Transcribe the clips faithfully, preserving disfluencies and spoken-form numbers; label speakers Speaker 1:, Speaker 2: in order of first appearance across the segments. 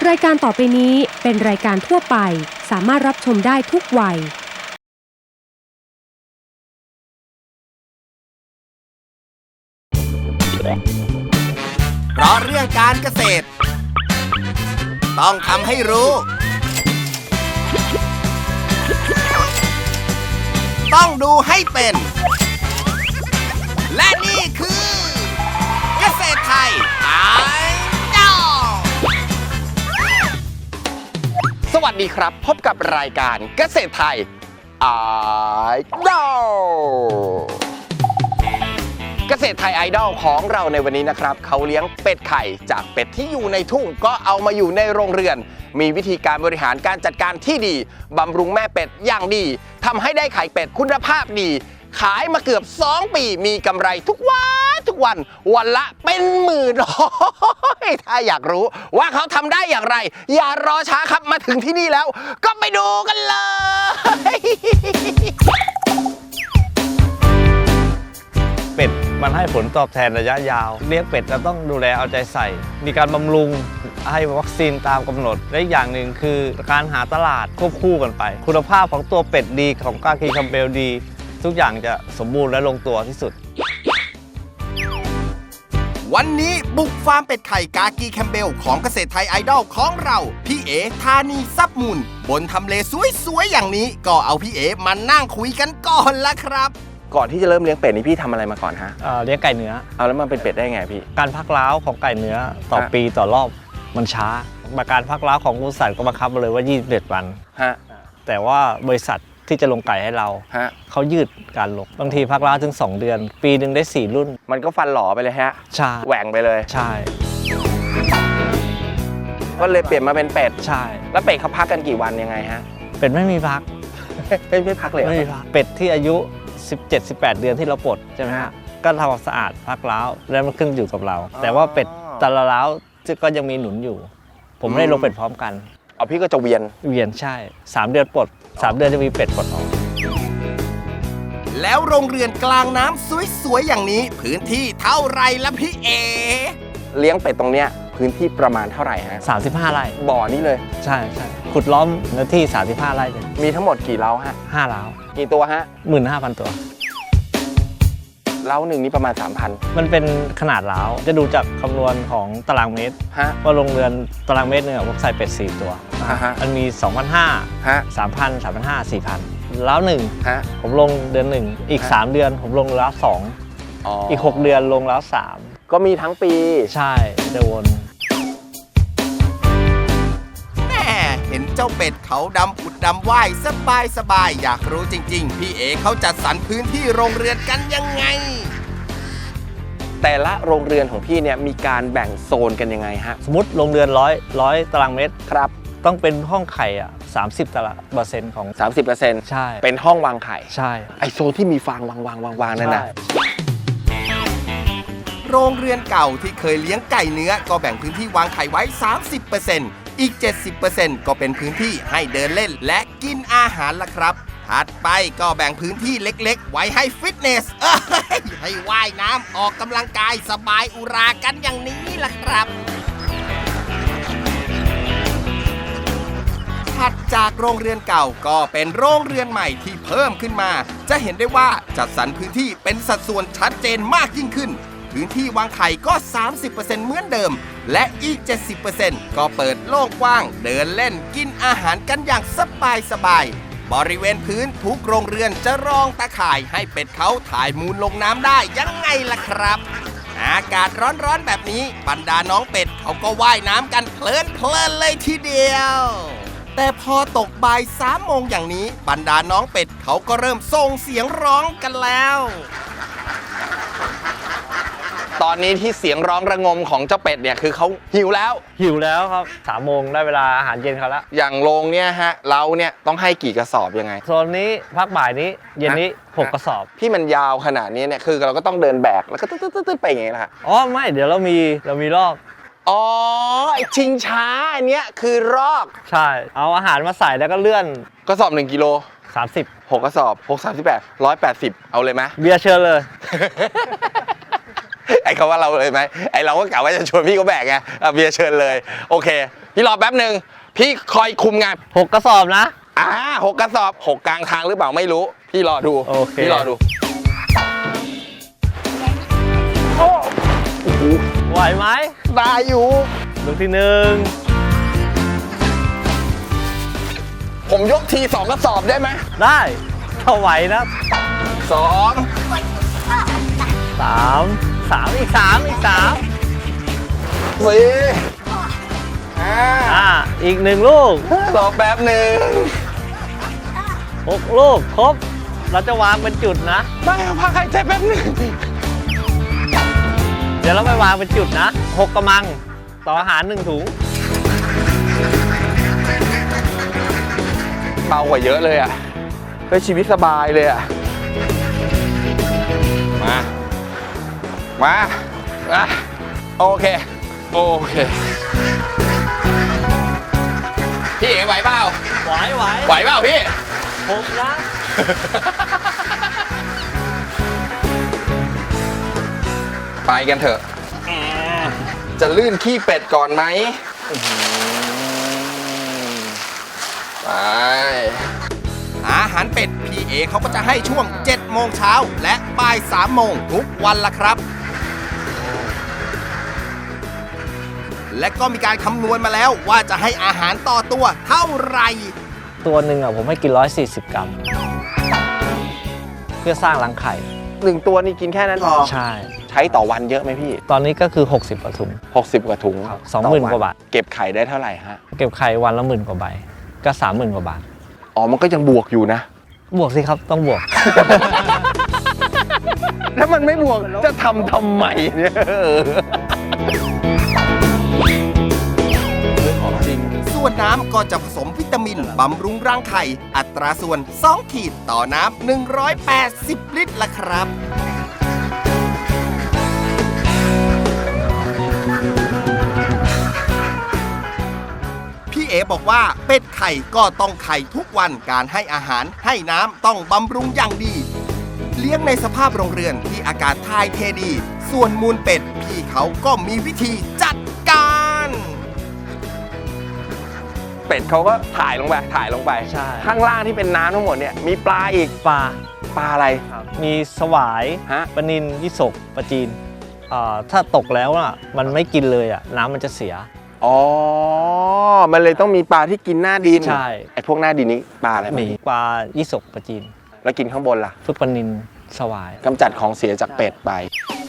Speaker 1: รายการต่อไปนี้เป็นรายการทั่วไปสามารถรับชมได้ทุกวัย
Speaker 2: เพราะเรื่องการเกษตรต้องทำให้รู้ต้องดูให้เป็นและนี่คือเกษตรไทยไอดอลสวัสดีครับพบกับรายการเกษตรไทยไอดอลเกษตรไทยไอดอลของเราในวันนี้นะครับเขาเลี้ยงเป็ดไข่จากเป็ดที่อยู่ในทุ่งก็เอามาอยู่ในโรงเรือนมีวิธีการบริหารการจัดการที่ดีบำรุงแม่เป็ดอย่างดีทำให้ได้ไข่เป็ดคุณภาพดีขายมาเกือบสองปีมีกำไรทุกวันทุกวันวันละเป็นหมื่นถ้าอยากรู้ว่าเขาทำได้อย่างไรอย่ารอช้าครับมาถึงที่นี่แล้วก็ไปดูกันเลย
Speaker 3: เป็ดมันให้ผลตอบแทนระยะยาวเลี้ยงเป็ดเราต้องดูแลเอาใจใส่มีการบำรุงให้วัคซีนตามกำหนดและอีกอย่างหนึ่งคือการหาตลาดควบคู่กันไปคุณภาพของตัวเป็ดดีของกากีคัมเบลดีทุกอย่างจะสมบูรณ์และลงตัวที่สุด
Speaker 2: วันนี้บุกฟาร์มเป็ดไข่กากีแคมเบลของเกษตรไทยไอดอลของเราพี่เอธานีซับมูลบนทำเลสวยๆอย่างนี้ก็เอาพี่เอมานั่งคุยกันก่อนละครับก่อนที่จะเริ่มเลี้ยงเป็ดนี่พี่ทำอะไรมาก่อนฮะ
Speaker 3: เอ่อเลี้ยงไก่เนื้อ
Speaker 2: เอาแล้วมันเป็นเป็ดได้ไงพี่
Speaker 3: การพักร้าวของไก่เนื้อต่อปีต่อรอบมันช้าการพักร้าวของบริษัทก็บังคับมาเลยว่ายี่สิบเอ็ดวัน
Speaker 2: ฮะ
Speaker 3: แต่ว่าบริษัทที่จะลงไก่ให้เราเขายืดการลงบางทีพักร้าวถึงสองเดือนปีหนึ่งได้สี่รุ่น
Speaker 2: มันก็ฟันหล่อไปเลยฮะ
Speaker 3: ใช่
Speaker 2: แหว่งไปเลย
Speaker 3: ใช่
Speaker 2: ก็เลยเปลี่ยนมาเป็นเป็ด
Speaker 3: ใช่
Speaker 2: แล้วเป็ดเขาพักกันกี่วันยังไงฮะ
Speaker 3: เป็ดไม่มีพัก
Speaker 2: ไม่ไม่พักเลย
Speaker 3: ไม่มีพักเป็ดที่อายุสิบเจ็ด สิบแปด เดือนที่เราปลดใช่ไหมฮะก็ทำความสะอาดพักร้าวแล้วมันขึ้นอยู่กับเราแต่ว่าเป็ดแต่ละร้าวก็ยังมีหนุนอยู่ผมไม่ได้ลงเป็ดพร้อมกัน
Speaker 2: เอาพี่ก็จะเวียน
Speaker 3: เวียนใช่สามเดือนปลดสามเดือนจะมีเป็ดปลดออก
Speaker 2: แล้วโรงเรือนกลางน้ำสวยๆอย่างนี้พื้นที่เท่าไรละพี่เอเลี้ยงเป็ดตรงเนี้ยพื้นที่ประมาณเท่าไหร่ฮะ
Speaker 3: สามสิบห้าไร่
Speaker 2: บ่อนี้เลย
Speaker 3: ใช่ใช่ขุดล้อมเนื้อที่สามสิบห้าไร่เลย
Speaker 2: มีทั้งหมดกี่เล้าฮะ
Speaker 3: ห้าเล้า
Speaker 2: กี่ตัวฮะ
Speaker 3: หนึ่งหมื่นห้าพัน ตัว
Speaker 2: เล้าหนึ่งนี่ประมาณ สามพัน
Speaker 3: มันเป็นขนาดเล้าจะดูจากคำนวณของตารางเมตรว่าโรงเรือนตารางเมตรเนี่ยผมใส่เป็ดสี่ตัวมันมี สองพันห้าร้อย สามพัน สามพันห้าร้อย สี่พัน เล้าหนึ่งผมลงเดือนหนึ่งอีกสามเดือนผมลงเล้าสองอีกหกเดือนลงเล้าสาม
Speaker 2: ก็มีทั้งปี
Speaker 3: ใช่จะวน
Speaker 2: แม่เห็นเจ้าเป็ดเขาดำผุดดำว่ายสบายสบายอยากรู้จริงๆพี่เอเขาจัดสรรพื้นที่โรงเรือนกันยังไงแต่ละโรงเรือนของพี่เนี่ยมีการแบ่งโซนกันยังไงฮะ
Speaker 3: สมมติโรงเรือนร้อยร้อยตารางเมตร
Speaker 2: ครับ
Speaker 3: ต้องเป็นห้องไข่อ่ะสามสิบตารางเปอร์เซ็นต์ของ
Speaker 2: สามสิบเปอร์เซ็นต์
Speaker 3: ใช่
Speaker 2: เป็นห้องวางไข่
Speaker 3: ใช่
Speaker 2: ไอโซนที่มีฟางวางวางวางวางนั่นน่ะโรงเรือนเก่าที่เคยเลี้ยงไก่เนื้อก็แบ่งพื้นที่วางไข่ไว้ สามสิบเปอร์เซ็นต์ อีก เจ็ดสิบเปอร์เซ็นต์ ก็เป็นพื้นที่ให้เดินเล่นและกินอาหารล่ะครับถัดไปก็แบ่งพื้นที่เล็กๆไว้ให้ฟิตเนสเอ้ยให้ว่ายน้ำออกกำลังกายสบายอุรากันอย่างนี้ล่ะครับถัดจากโรงเรือนเก่าก็เป็นโรงเรือนใหม่ที่เพิ่มขึ้นมาจะเห็นได้ว่าจัดสรรพื้นที่เป็นสัดส่วนชัดเจนมากยิ่งขึ้นพื้นที่วางไข่ก็ สามสิบเปอร์เซ็นต์ เหมือนเดิมและอีก เจ็ดสิบเปอร์เซ็นต์ ก็เปิดโล่งกว้างเดินเล่นกินอาหารกันอย่างสบายสบายบริเวณพื้นทุกโรงเรือนจะรองตะข่ายให้เป็ดเขาถ่ายมูลลงน้ำได้ยังไงล่ะครับอากาศร้อนๆแบบนี้บรรดาน้องเป็ดเขาก็ว่ายน้ำกันเพลินเพลินเลยทีเดียวแต่พอตกบ่ายสามโมงอย่างนี้บรรดาน้องเป็ดเขาก็เริ่มส่งเสียงร้องกันแล้วตอนนี้ที่เสียงร้องระงมของเจ้าเป็ดเนี่ยคือเขาหิวแล้ว
Speaker 3: หิวแล้วครับสามโมงได้เวลาอาหารเย็นเขาแล้ว
Speaker 2: อย่างโรงเนี่ยฮะเราเนี่ยต้องให้กี่กระสอบยังไง
Speaker 3: โซนนี้พักบ่ายนี้เย็นนี้หกกระสอบ
Speaker 2: ที่มันยาวขนาดนี้เนี่ยคือเราก็ต้องเดินแบกแล้วก็ตึ๊ดๆๆไปอย่างเงี้ยค่ะ
Speaker 3: อ๋อไม่เดี๋ยวเรามีเรามีรอก
Speaker 2: อ๋อไอชิงช้าอันเนี้ยคือรอก
Speaker 3: ใช่เอาอาหารมาใส่แล้วก็เลื่อน
Speaker 2: กระสอบหนึ่งกิโล
Speaker 3: สามสิบ
Speaker 2: หกกระสอบหก สามสิบแปด หนึ่งร้อยแปดสิบเอาเลยไหม
Speaker 3: เบียร์เชิญเลย
Speaker 4: ไอ้คำว่าเราเลยไหมไอ้เราก็กะว่าจะชวนพี่เขาแบกไงอ่ะเบียร์เชิญเลยโอเคพี่รอแป๊บหนึ่งพี่คอยคุมงาน
Speaker 3: หกกระสอบนะ
Speaker 4: อ่าหกกระสอบหกกลางทางหรือเปล่าไม่รู้พี่รอดู
Speaker 3: โอเค
Speaker 4: พี่รอดู
Speaker 3: ไหวไหม
Speaker 4: ได้อยู่
Speaker 3: ลูกที่หนึ่ง
Speaker 4: ผมยกทีสองกระสอบได้ไหม
Speaker 3: ได้ถ้าไหวนะ
Speaker 4: สอง
Speaker 3: สามสามอีกสามอีกสาม
Speaker 4: สี่ห้า
Speaker 3: อ่าอีกหนึ่งลูก
Speaker 4: รอแป๊บหนึ่ง
Speaker 3: หกลูกครบเราจะวางเป็นจุดนะ
Speaker 4: ไม่เอาพักหายใจแป๊บหนึ่ง
Speaker 3: เดี๋ยวเราไปวางเป็นจุดนะหกกระมังต่ออาหารหนึ่งถุง
Speaker 4: เบากว่าเยอะเลยอ่ะเฮ้ยชีวิตสบายเลยอ่ะมามาอ่ะโอเคโอเคพี่เอ๋ไหวเปล่า
Speaker 3: ไหวไหว
Speaker 4: ไหวเปล่าพี่
Speaker 3: หกนะ
Speaker 4: ไปกันเถอะ จะลื่นขี้เป็ดก่อนไหมไป
Speaker 2: อาหารเป็ดพี่เอเขาก็จะให้ช่วงเจ็ดโมงเช้าและบ่ายสามโมงทุกวันละครับ และก็มีการคำนวณมาแล้วว่าจะให้อาหารต่อตัวเท่าไหร่
Speaker 3: ตัวหนึ่งอ่ะผมให้กินหนึ่งร้อยสี่สิบกรัม เพื่อสร้างรังไข่
Speaker 4: หนึ่งตัวนี่กินแค่นั้นพอ
Speaker 3: ใช่
Speaker 4: ใช้ต่อวันเยอะไหมพี่
Speaker 3: ตอนนี้ก็คือหกสิบกว่าถุง
Speaker 4: หกสิบกว่าถุง
Speaker 3: ครับสองหมื่น
Speaker 4: ต่
Speaker 3: กว่าบาท
Speaker 4: เก็บไข่ได้เท่าไหร่ฮะ
Speaker 3: เก็บไข่วันละหมื่นกว่าใบ ก็สามหมื่นกว่าบาท
Speaker 4: อ๋อมันก็ยังบวกอยู่นะ
Speaker 3: บวกสิครับต้องบวก
Speaker 4: ถ้ามันไม่บวกจะทำทำไมเนี่ยจริง
Speaker 2: ส่วนน้ำก็จะผสมวิตามินบำรุงร่างไข่ อัตราส่วน สอง ขีดต่อน้ำ หนึ่งร้อยแปดสิบ ลิตรละครับ พี่เอบอกว่าเป็ดไข่ก็ต้องไข่ทุกวันการให้อาหารให้น้ำต้องบำรุงอย่างดี เลี้ยงในสภาพโรงเรือนที่อากาศถ่ายเทดี ส่วนมูลเป็ดพี่เขาก็มีวิธีจัดการ
Speaker 4: เป็ดเขาก็ถ่ายลงไปถ่ายลงไป
Speaker 3: ใช่
Speaker 4: ข้างล่างที่เป็นน้ำทั้งหมดเนี่ยมีปลาอีก
Speaker 3: ปลา
Speaker 4: ปลาอะไร
Speaker 3: มีสวาย
Speaker 4: ฮะ
Speaker 3: ปลานิลยี่สกปลาจีนอ่าถ้าตกแล้วอ่ะมันไม่กินเลยอ่ะน้ำมันจะเสีย
Speaker 4: อ๋อมันเลยต้องมีปลาที่กินหน้าดิน
Speaker 3: ใช่
Speaker 4: ไอ้พวกหน้าดินนี้ปลาอะไร
Speaker 3: มีปลายี่สกปลาจีน
Speaker 4: แล้วกินข้างบนล่ะ
Speaker 3: พวกปลานิลสวาย
Speaker 4: กำจัดของเสียจากเป็ดไป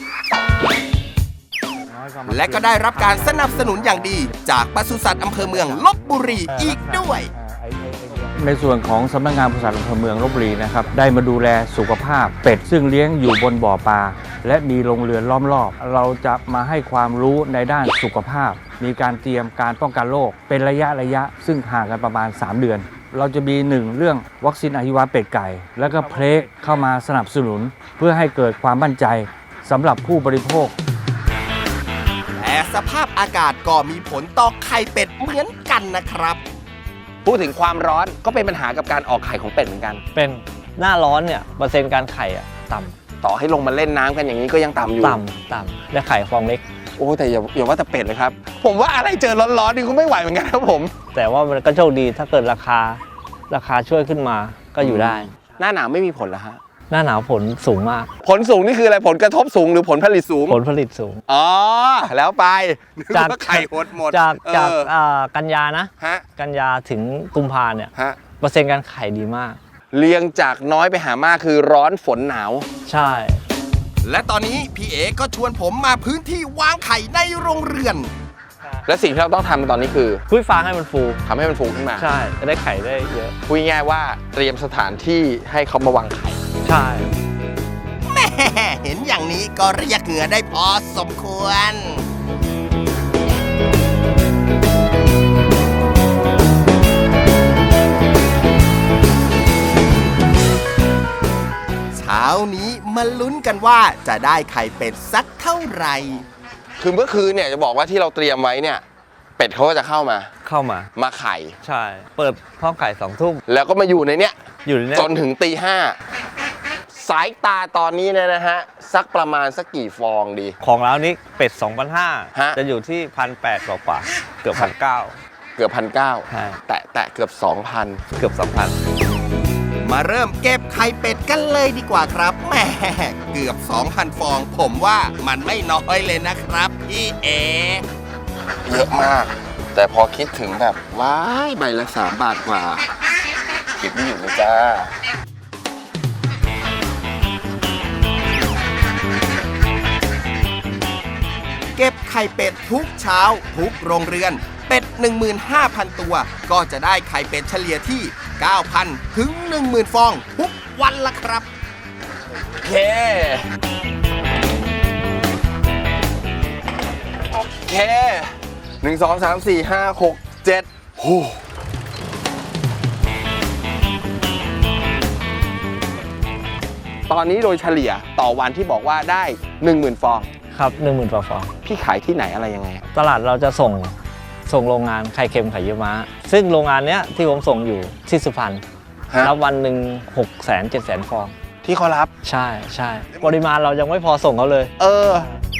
Speaker 2: และก็ได้รับการสนับสนุนอย่างดี จากปศุสัตว์อำเภอเมืองลพบุรีอีกด้วย
Speaker 5: ในส่วนของสำนักงานปศุสัตว์อำเภอเมืองลพบุรีนะครับได้มาดูแลสุขภาพเป็ดซึ่งเลี้ยงอยู่บนบ่อปลาและมีโรงเรือนล้อมรอบ เราจะมาให้ความรู้ในด้านสุขภาพ มีการเตรียมการป้องกันโรคเป็นระยะระยะซึ่งห่างกันประมาณสามเดือน เราจะมีหนึ่งเรื่องวัคซีนอหิวาเป็ดไก่ แล้วก็เพลกเข้ามาสนับสนุน เพื่อให้เกิดความมั่นใจสำหรับผู้บริโภค
Speaker 2: แต่สภาพอากาศก็มีผลต่อไข่เป็ดเหมือนกันนะครับ
Speaker 4: พูดถึงความร้อนก็เป็นปัญหากับการออกไข่ของเป็ดเหมือนกัน
Speaker 3: เป็นหน้าร้อนเนี่ยเปอร์เซ็นต์การไข่อ่ะต่
Speaker 4: ต่อให้ลงมาเล่นน้ำกันอย่างนี้ก็ยังต่ำอยู่
Speaker 3: ำต่ำต่ำและไข่ฟองเล็ก
Speaker 4: โอ้แต่อย่าอย่าว่าแต่เป็ดเลยครับ ผมว่าอะไรเจอร้อนๆนี่ก็ไม่ไหวเหมือนกันครับผม
Speaker 3: แต่ว่ามันก็โชคดีถ้าเกิดราคาราคาช่วยขึ้นมาก็อยู่ได้
Speaker 4: หน้าหนาวไม่มีผลเหรอฮะ
Speaker 3: หน้าหนาวผลสูงมาก
Speaker 4: ผลสูงนี่คืออะไรผลกระทบสูงหรือผลผลิตสูง
Speaker 3: ผลผลิตสูง
Speaker 4: อ๋อแล้วไป
Speaker 3: จาก
Speaker 4: นึว่ไข่หดหมด
Speaker 3: จาก
Speaker 4: เออ
Speaker 3: จากอ่ากันยานะ
Speaker 4: ฮะ
Speaker 3: กันยาถึงกุมภาเนี่ย
Speaker 4: ฮะ
Speaker 3: เปอร์เซ็นต์การไข่ดีมาก
Speaker 4: เรียงจากน้อยไปหามากคือร้อนฝนหนาว
Speaker 3: ใช่
Speaker 2: และตอนนี้พี่เอก็ชวนผมมาพื้นที่วางไข่ในโรงเรือน
Speaker 4: และสิ่งที่เราต้องทำตอนนี้คือ
Speaker 3: คุยฟางให้มันฟู
Speaker 4: ทำให้มันฟูขึ้นมา
Speaker 3: ใช่จะได้ไข่ได้เยอะ
Speaker 4: พูดง่ายๆว่าเตรียมสถานที่ให้เขามาวางไข่
Speaker 3: ใช่
Speaker 2: แม่เห็นอย่างนี้ก็เรียกเหงื่อได้พอสมควร เช้านี้มาลุ้นกันว่าจะได้ไข่เป็ดสักเท่าไหร่
Speaker 4: คือเมื่อคืนเนี่ยจะบอกว่าที่เราเตรียมไว้เนี่ยเป็ดเขาก็จะเข้ามา
Speaker 3: เข้ามา
Speaker 4: มาไข่
Speaker 3: ใช่ เปิดห้องไข่สองทุ่ม
Speaker 4: แล้วก็มาอยู่ในเนี้ย
Speaker 3: อยู่ในเนี้ย
Speaker 4: จนถึงตีห้าสายตาตอนนี้เนี่ยนะฮะสักประมาณสักกี่ฟองดี
Speaker 3: ของเรานี้เป็ด สองพันห้าร้อย
Speaker 4: ฮะ
Speaker 3: จะอยู่ที่ หนึ่งพันแปดร้อย กว่าๆเกือบ หนึ่งพันเก้าร้อย
Speaker 4: เกือบพันเก้า
Speaker 3: ใช่
Speaker 4: แตะแตะเกือบสองพัน
Speaker 3: เกือบ สองพัน
Speaker 2: มาเริ่มเก็บไข่เป็ดกันเลยดีกว่าครับแหมเกือบ สองพัน ฟอง ผมว่ามันไม่น้อยเลยนะครับพี่เอ
Speaker 4: เยอะมาก แต่พอคิดถึงแบบว้ายใบละสามบาทกว่าเก็บไม่อยู่เลยจ้า
Speaker 2: เก็บไข่เป็ดทุกเช้าทุกโรงเรือนเป็ด หนึ่งหมื่นห้าพัน ตัว ก็จะได้ไข่เป็ดเฉลี่ยที่ เก้าพัน ถึง หนึ่งหมื่น ฟอง ทุกวันละครับ
Speaker 4: โอเค โอเคหนึ่งสองสามสี่ห้าหกเจ็ดหูตอนนี้โดยเฉลี่ยต่อวันที่บอกว่าได้ หนึ่งหมื่น ฟอง
Speaker 3: ครับ หนึ่งหมื่น กว่าฟอง
Speaker 4: พี่ขายที่ไหนอะไรยังไง
Speaker 3: ตลาดเราจะส่งส่งโรงงานไข่เค็มไข่เยี่ยวม้า ซึ่งโรงงานเนี้ยที่ผมส่งอยู่ที่สุพรรณ
Speaker 4: ฮะ
Speaker 3: รับวันหนึ่งหกแสนเจ็ดแสนฟอง
Speaker 4: ที่เขารับ
Speaker 3: ใช่ใช่ปริมาณเรายังไม่พอส่งเขาเลย
Speaker 4: เออ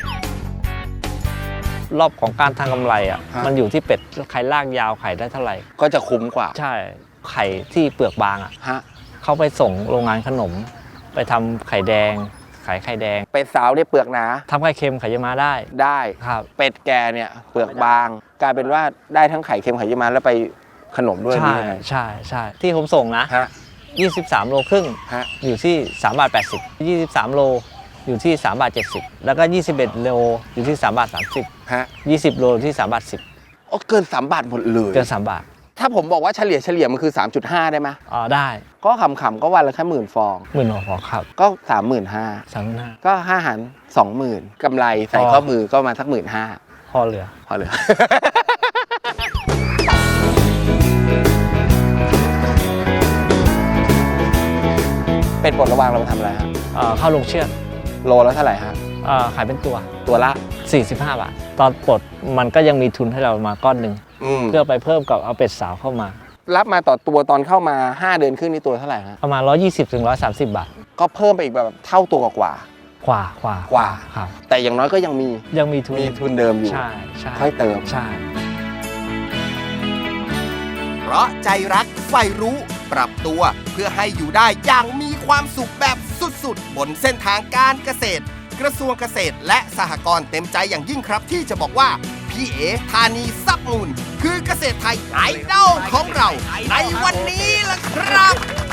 Speaker 3: รอบของการทางกำไรอ่ะ
Speaker 4: ฮะ
Speaker 3: มันอยู่ที่เป็ดไข่ลากยาวไข่ได้เท่าไหร่
Speaker 4: ก็จะคุ้มกว่า
Speaker 3: ใช่ไข่ที่เปลือกบางอ่ะ
Speaker 4: ฮะ
Speaker 3: เขาไปส่งโรงงานขนม ไปทำไข่แดงขายไข่แดง
Speaker 4: เป็ดสาวเนี่ยเปลือกหนา
Speaker 3: ทำไข่เค็มไข่เยี่ยวม้าได้
Speaker 4: ได้
Speaker 3: ครับ
Speaker 4: เป็ดแกเนี่ยเปลือกบาง กลายเป็นว่าได้ทั้งไข่เค็มไข่เยี่ยวม้าแล้วไปขนมด้วย
Speaker 3: ใช่
Speaker 4: นี่ไง
Speaker 3: ใช่ใช่ที่ผมส่งนะ
Speaker 4: ฮะ
Speaker 3: ยี่สิบสามโลครึ่ง
Speaker 4: ฮะ
Speaker 3: อยู่ที่สามบาทแปดสิบ ยี่สิบสามโลอยู่ที่สามบาทเจ็ดสิบแล้วก็ยี่สิบเอ็ดโลอยู่ที่สามบาทสามสิบ
Speaker 4: ฮะ
Speaker 3: ยี่สิบโลอยู่ที่สามบาทสิบ
Speaker 4: โอ้เกินสามบาทหมดเลย
Speaker 3: เกินสามบาท
Speaker 4: ถ้าผมบอกว่าเฉลี่ยเฉลี่ยมันคือ สามจุดห้า ได้ไหม
Speaker 3: อ๋อได้
Speaker 4: ก็ขำๆก็วันละแค่หมื่นฟอง
Speaker 3: หมื่นหัวฟองครับ
Speaker 4: ก็สามหมื่นห้า
Speaker 3: สามหมื่นห้า
Speaker 4: ก็ห้าหารสองหมื่นกำไรใส่
Speaker 3: อ๋อ
Speaker 4: ข้อมือก็มาสักหมื่นห้า
Speaker 3: พอเหลือ
Speaker 4: พอเลย เป็ดปลดระวางเรามาทำอะไรฮะ
Speaker 3: เอ่อเข้าลงเชือด
Speaker 4: โลแล้วเท่าไหร่ฮะ
Speaker 3: เอ่อขายเป็นตัว
Speaker 4: ตัวละ
Speaker 3: สี่สิบห้าบาท ตอนปลดมันก็ยังมีทุนให้เรามาก้อนหนึ่ง
Speaker 4: อืม
Speaker 3: เพื่อไปเพิ่มกับเอาเป็ดสาวเข้ามา
Speaker 4: รับมาต่อตัวตอนเข้ามาห้าเดือนครึ่งนี่ตัวเท่าไหร่ฮะ
Speaker 3: ประมาณหนึ่งร้อยยี่สิบถึงหนึ่งร้อยสามสิบบาท
Speaker 4: ก็เพิ่มไปอีกแบบเท่าตัวกว่า
Speaker 3: กว่ากว่าก
Speaker 4: ว่า
Speaker 3: ครับ
Speaker 4: แต่อย่างน้อยก็ยังมี
Speaker 3: ยังมีทุน
Speaker 4: มีทุนเดิมอยู่
Speaker 3: ใช่ใช่
Speaker 4: ค่อยเติม
Speaker 3: ใช่
Speaker 2: เพราะใจรักใฝ่รู้ ปรับตัวเพื่อให้อยู่ได้อย่างมีความสุขแบบสุดๆ บนเส้นทางการเกษตร กระทรวงเกษตรและสหกรณ์เต็มใจอย่างยิ่งครับที่จะบอกว่าพี่เอธานีซับมูลคือเกษตรไทยไอดอลของเราในวันนี้ล่ะครับ